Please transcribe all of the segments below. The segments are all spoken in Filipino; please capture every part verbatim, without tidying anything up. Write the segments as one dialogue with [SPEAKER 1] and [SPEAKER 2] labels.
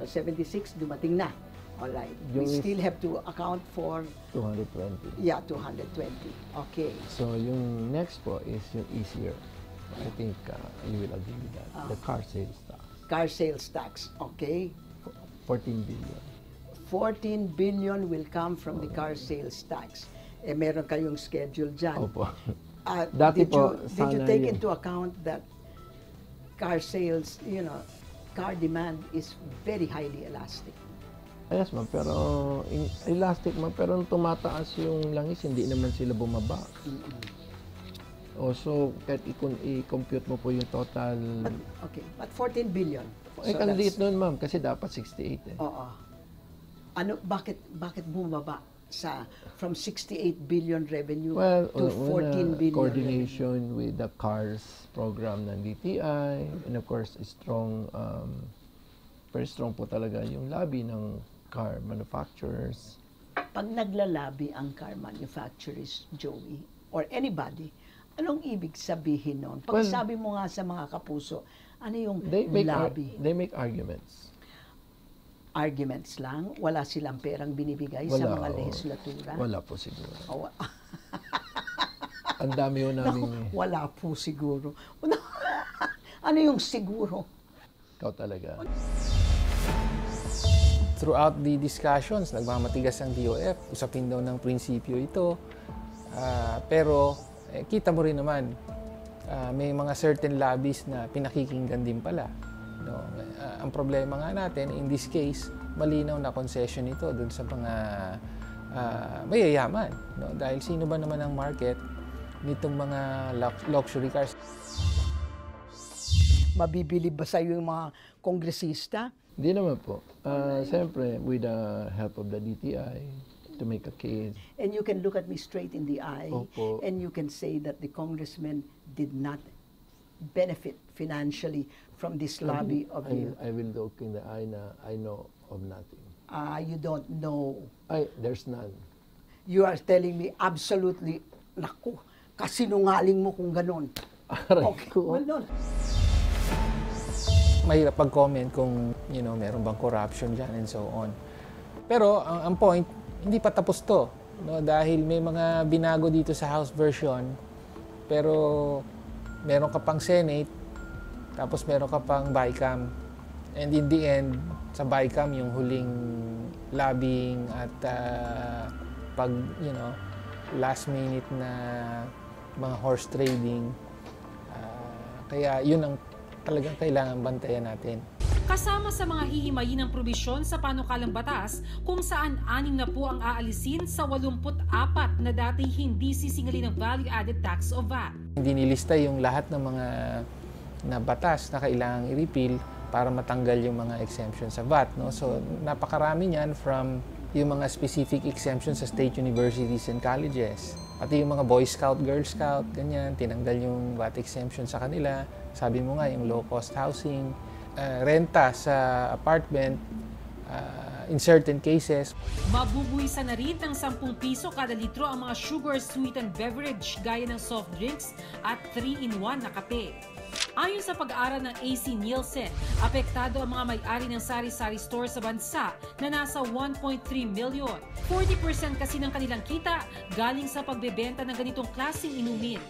[SPEAKER 1] So seventy-six, dumating na. Alright. We
[SPEAKER 2] Yung
[SPEAKER 1] still have to account for,
[SPEAKER 2] two hundred twenty.
[SPEAKER 1] yeah, two hundred twenty. Okay.
[SPEAKER 2] So yung next po is yung easier. I think uh, you will agree with that.
[SPEAKER 1] Ah.
[SPEAKER 2] The car sales tax.
[SPEAKER 1] Car sales tax. Okay.
[SPEAKER 2] fourteen billion.
[SPEAKER 1] fourteen billion will come from the car sales tax. Eh, meron kayong schedule dyan.
[SPEAKER 2] Opo.
[SPEAKER 1] Uh,
[SPEAKER 2] Dati
[SPEAKER 1] did
[SPEAKER 2] po,
[SPEAKER 1] you, did you
[SPEAKER 2] sana
[SPEAKER 1] take
[SPEAKER 2] yun.
[SPEAKER 1] into account that car sales, you know, car demand is very highly elastic?
[SPEAKER 2] Yes, ma'am. Pero in, elastic, ma'am. Pero nung tumataas yung langis, hindi naman sila bumaba.
[SPEAKER 1] Mm-mm.
[SPEAKER 2] Also, kahit i-compute mo po yung total...
[SPEAKER 1] But, okay, but fourteen billion.
[SPEAKER 2] Eh,
[SPEAKER 1] So
[SPEAKER 2] kandiit
[SPEAKER 1] that's-
[SPEAKER 2] nun, ma'am. Kasi dapat sixty-eight eh.
[SPEAKER 1] Oo. Ano, bakit, bakit bumaba sa, from sixty-eight billion revenue
[SPEAKER 2] Well,
[SPEAKER 1] to
[SPEAKER 2] una-
[SPEAKER 1] fourteen
[SPEAKER 2] una,
[SPEAKER 1] billion
[SPEAKER 2] coordination with the CARS program ng D T I. And of course, strong, um, very strong po talaga yung lobby ng car manufacturers.
[SPEAKER 1] revenue? Pag naglalabi ang car manufacturers, Joey, or anybody, anong ibig sabihin nun? Pag
[SPEAKER 2] Well,
[SPEAKER 1] sabi mo nga sa mga kapuso, ano yung
[SPEAKER 2] They make, ar-
[SPEAKER 1] lobby?
[SPEAKER 2] they make arguments.
[SPEAKER 1] Arguments lang? Wala silang perang binibigay sa
[SPEAKER 2] Wala,
[SPEAKER 1] mga
[SPEAKER 2] oo.
[SPEAKER 1] legislatura?
[SPEAKER 2] Wala po siguro.
[SPEAKER 1] O, wa-
[SPEAKER 2] Ang dami ho namin
[SPEAKER 1] Naku,
[SPEAKER 2] eh.
[SPEAKER 1] wala po siguro. Ano yung siguro?
[SPEAKER 2] Ikaw talaga.
[SPEAKER 3] Throughout the discussions, nagmamatigas ang D O F. Usapin daw ng prinsipyo ito. Ah, pero eh, kita mo rin naman, ah, may mga certain lobbies na pinakikinggan din pala. No? Ah, ang problema nga natin, in this case, malinaw na concession ito dun sa mga ah, mayayaman. No? Dahil sino ba naman ang market nitong mga lux- luxury cars?
[SPEAKER 1] Mabibili ba sa'yo yung mga kongresista?
[SPEAKER 2] Hindi naman po. Uh, Siyempre, with the help of the D T I, to make a case.
[SPEAKER 1] And you can look at me straight in the eye
[SPEAKER 2] Opo.
[SPEAKER 1] and you can say that the congressman did not benefit financially from this lobby of the...
[SPEAKER 2] I, I will look in the eye na I know of nothing.
[SPEAKER 1] Ah, you don't know.
[SPEAKER 2] Ay, there's none.
[SPEAKER 1] You are telling me absolutely, naku, kasinungaling mo kung ganun.
[SPEAKER 2] Aray
[SPEAKER 1] Okay,
[SPEAKER 2] ko.
[SPEAKER 1] well, no.
[SPEAKER 3] Mahirap pag-comment kung, you know, meron bang corruption dyan and so on. Pero ang, ang point, hindi pa tapos to. No? Dahil may mga binago dito sa House version, pero meron ka pang Senate, tapos meron ka pang BICAM. And in the end, sa BICAM, yung huling lobbying at uh, pag, you know, last minute na mga horse trading. Uh, kaya yun ang talagang kailangan bantayan natin.
[SPEAKER 4] Kasama sa mga hihimayin ng probisyon sa panukalang batas kung saan anim na po ang aalisin sa walumput apat na dati hindi sisingalin ng value-added tax o V A T.
[SPEAKER 3] Hindi nilista yung lahat ng mga na batas na kailangang i-repeal para matanggal yung mga exemptions sa V A T. No? So napakarami niyan, from yung mga specific exemptions sa state universities and colleges. Pati yung mga Boy Scout, Girl Scout, ganyan, tinanggal yung V A T exemption sa kanila. Sabi mo nga, yung low-cost housing, uh, renta sa apartment, uh, in certain cases.
[SPEAKER 4] Mabubuwisan na rin ng sampung piso kada litro ang mga sugar-sweetened beverage gaya ng soft drinks at three in one na kape. Ayon sa pag-aaral ng A C Nielsen, apektado ang mga may-ari ng sari-sari store sa bansa na nasa one point three million. forty percent kasi ng kanilang kita galing sa pagbebenta ng ganitong klaseng inumin.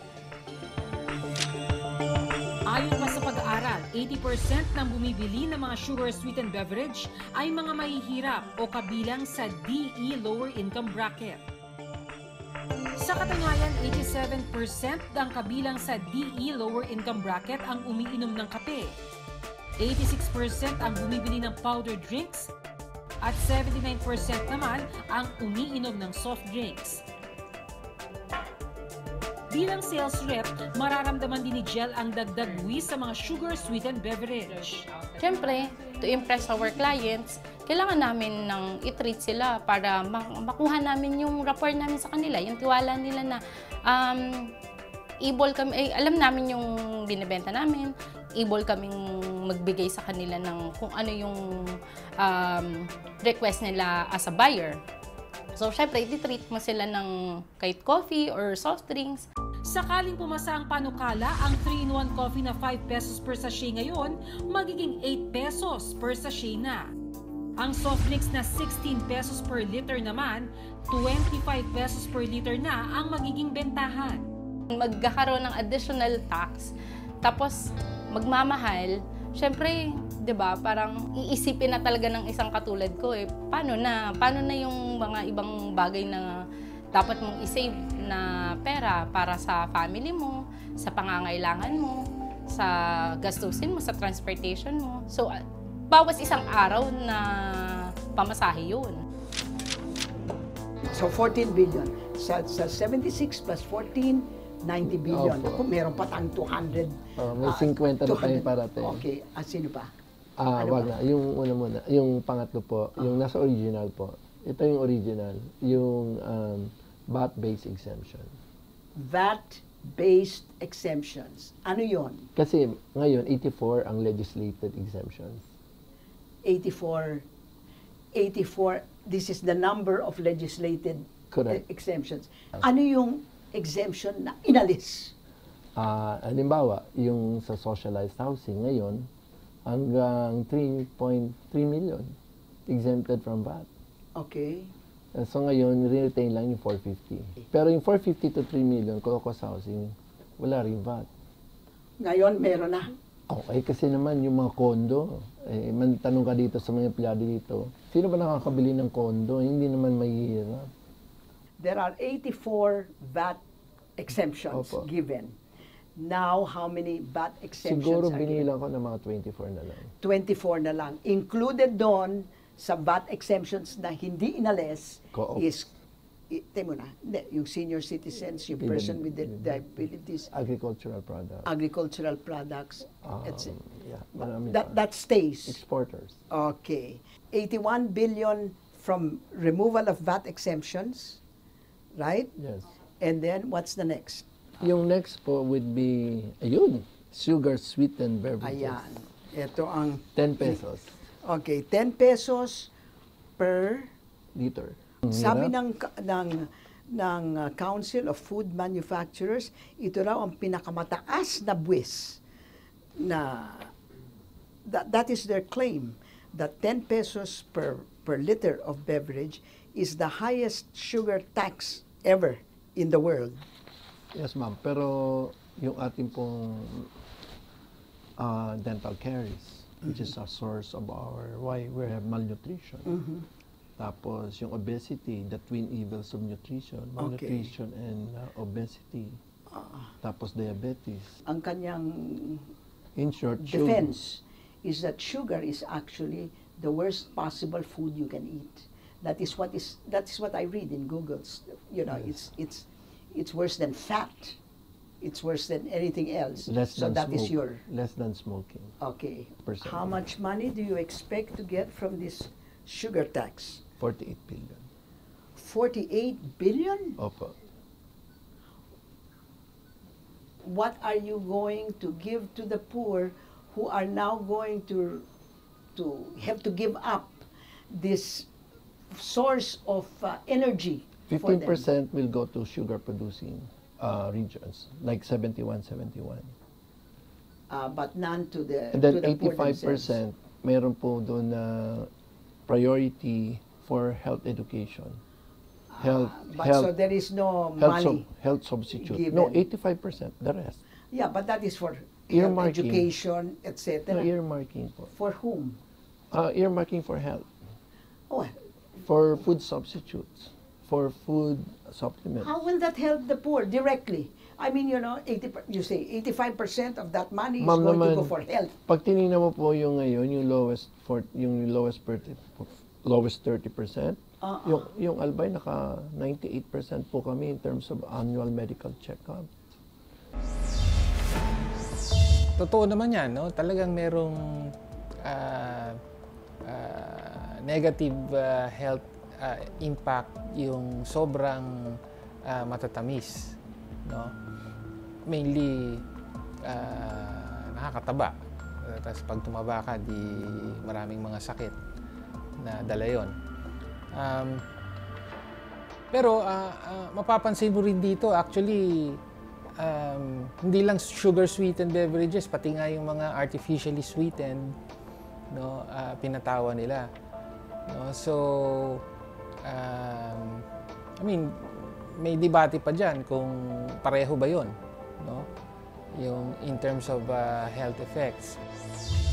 [SPEAKER 4] Ayon pa sa pag-aaral, eighty percent ng bumibili ng mga sugar-sweetened beverage ay mga mahihirap o kabilang sa D E lower income bracket. Sa katunayan, eighty-seven percent ang kabilang sa D E lower income bracket ang umiinom ng kape. eighty-six percent ang bumibili ng powdered drinks at seventy-nine percent naman ang umiinom ng soft drinks. Bilang sales rep, mararamdaman din ni Jel ang dagdag buwis sa mga sugar-sweetened beverage.
[SPEAKER 5] Siyempre, to impress our clients, kailangan namin ng i-treat sila para makuha namin yung rapport namin sa kanila, yung tiwala nila na um, able kami, eh, alam namin yung binibenta namin, able kaming magbigay sa kanila ng kung ano yung um, request nila as a buyer. So, syempre, i-treat mo sila ng kahit coffee or soft drinks.
[SPEAKER 4] Sakaling pumasa ang panukala, ang three in one coffee na five pesos per sachet ngayon, magiging eight pesos per sachet na. Ang soft drinks na sixteen pesos per liter naman, twenty-five pesos per liter na ang magiging bentahan.
[SPEAKER 5] Magkakaroon ng additional tax, tapos magmamahal, syempre, 'di ba, parang iisipin na talaga ng isang katulad ko eh, paano na, paano na yung mga ibang bagay na dapat mong isave na pera para sa family mo, sa pangangailangan mo, sa gastusin mo, sa transportation mo. So, uh, bawas isang araw na pamasahe yun.
[SPEAKER 1] So fourteen billion. Sa, sa seventy-six plus fourteen, ninety billion.
[SPEAKER 2] Opo.
[SPEAKER 1] Kung meron pa tayong two hundred.
[SPEAKER 2] Oh, may
[SPEAKER 1] ah,
[SPEAKER 2] fifty na
[SPEAKER 1] two hundred.
[SPEAKER 2] tayong parating.
[SPEAKER 1] Okay. Ah, sino pa?
[SPEAKER 2] Ah,
[SPEAKER 1] Ano
[SPEAKER 2] wag
[SPEAKER 1] ba?
[SPEAKER 2] na. Yung una muna. Yung pangatlo po, yung nasa original po. Ito yung original. Yung um, V A T-based exemption.
[SPEAKER 1] V A T-based exemptions. Ano yon?
[SPEAKER 2] Kasi ngayon, eighty-four ang legislated exemptions.
[SPEAKER 1] eighty-four, eighty-four, this is the number of legislated
[SPEAKER 2] Correct.
[SPEAKER 1] e- exemptions. Ano yung exemption na inalis?
[SPEAKER 2] Ah, halimbawa, yung sa socialized housing ngayon, hanggang three point three million exempted from V A T.
[SPEAKER 1] Okay.
[SPEAKER 2] Uh, So ngayon, retain lang yung four fifty. Pero yung four fifty to three million, cost housing, wala rin V A T.
[SPEAKER 1] Ngayon, meron na.
[SPEAKER 2] Okay, kasi naman yung mga kondo, eh, man, tanong ka dito sa mga empleyado dito, sino ba nakakabili ng kondo? Hindi naman mahihirap.
[SPEAKER 1] There are eighty-four V A T exemptions
[SPEAKER 2] Opo.
[SPEAKER 1] given. Now, how many V A T exemptions
[SPEAKER 2] Siguro
[SPEAKER 1] are given?
[SPEAKER 2] binilang ko ng mga twenty-four na lang.
[SPEAKER 1] twenty-four na lang. Included doon sa V A T exemptions na hindi inalis
[SPEAKER 2] Co-op.
[SPEAKER 1] is, i- tayo mo na, hindi, yung senior citizens, yung person with the disabilities,
[SPEAKER 2] Agricultural product.
[SPEAKER 1] agricultural products,
[SPEAKER 2] Um,
[SPEAKER 1] et cetera.
[SPEAKER 2] yeah, marami
[SPEAKER 1] That,
[SPEAKER 2] pa.
[SPEAKER 1] that stays.
[SPEAKER 2] Exporters.
[SPEAKER 1] Okay. eighty-one billion from removal of V A T exemptions, right?
[SPEAKER 2] Yes.
[SPEAKER 1] And then, what's the next?
[SPEAKER 2] Yung next po would be, ayun, sugar sweetened beverages.
[SPEAKER 1] Ayan. Ito ang,
[SPEAKER 2] ten pesos
[SPEAKER 1] okay, ten pesos per,
[SPEAKER 2] liter.
[SPEAKER 1] sabi
[SPEAKER 2] Hirap.
[SPEAKER 1] ng, ka- ng, ng uh, Council of Food Manufacturers, ito raw ang pinakamataas na buwis na, that, that is their claim, that ten pesos per, per liter of beverage is the highest sugar tax ever in the world.
[SPEAKER 2] Yes, ma'am. Pero yung ating pong uh, dental caries, which is a source of our, why we have malnutrition. Tapos yung obesity, the twin evils of nutrition, malnutrition and uh, obesity. Tapos diabetes.
[SPEAKER 1] Ang kanyang
[SPEAKER 2] In short, sugar.
[SPEAKER 1] defense is that sugar is actually the worst possible food you can eat. That is what is that is what I read in Google's. You know, it's it's it's worse than fat. It's worse than anything else.
[SPEAKER 2] Less
[SPEAKER 1] so
[SPEAKER 2] than
[SPEAKER 1] that is
[SPEAKER 2] smoke-
[SPEAKER 1] your
[SPEAKER 2] less than smoking.
[SPEAKER 1] okay.
[SPEAKER 2] Percent.
[SPEAKER 1] How much money do you expect to get from this sugar tax?
[SPEAKER 2] forty-eight billion.
[SPEAKER 1] Forty-eight billion.
[SPEAKER 2] Opo.
[SPEAKER 1] What are you going to give to the poor who are now going to to have to give up this source of uh, energy for
[SPEAKER 2] fifteen
[SPEAKER 1] them?
[SPEAKER 2] percent will go to sugar producing uh, regions, like seventy-one, seventy-one.
[SPEAKER 1] Uh, but none to the
[SPEAKER 2] And then
[SPEAKER 1] to the poor
[SPEAKER 2] eighty-five
[SPEAKER 1] themselves.
[SPEAKER 2] percent, meron po doon na priority for health education. Health,
[SPEAKER 1] But
[SPEAKER 2] health,
[SPEAKER 1] so there is no
[SPEAKER 2] health,
[SPEAKER 1] money.
[SPEAKER 2] sub- health substitute. No,
[SPEAKER 1] given.
[SPEAKER 2] eighty-five percent, the rest.
[SPEAKER 1] Yeah, but that is for health
[SPEAKER 2] Earmarking.
[SPEAKER 1] education, et
[SPEAKER 2] No,
[SPEAKER 1] cetera.
[SPEAKER 2] earmarking po.
[SPEAKER 1] For whom?
[SPEAKER 2] Uh, earmarking for health,
[SPEAKER 1] Oh,
[SPEAKER 2] for food substitutes, for food supplements.
[SPEAKER 1] how will that help the poor directly? I mean, you know, eighty per- you say eighty-five percent of that money is
[SPEAKER 2] Ma'am
[SPEAKER 1] going to
[SPEAKER 2] naman,
[SPEAKER 1] go for health.
[SPEAKER 2] Pag tinignan mo po yung ngayon, yung lowest for yung lowest per, lowest thirty percent,
[SPEAKER 1] Uh-uh.
[SPEAKER 2] yung yung Albay naka ninety-eight percent po kami in terms of annual medical checkup.
[SPEAKER 3] Totoo naman yan, no? Talagang merong ah, ah, negative ah, health ah, impact yung sobrang ah, matatamis, no? Mainly ah, nakakataba. Uh, Tapos pag tumaba ka, di maraming mga sakit na dala yun. Um, pero ah, ah, mapapansin mo rin dito, actually, um, hindi lang sugar sweetened beverages, pati nga yung mga artificially sweetened, no, ah, pinatawa nila. No? So, um, I mean, may debate pa dyan kung pareho ba yun, no? Yung in terms of uh, health effects.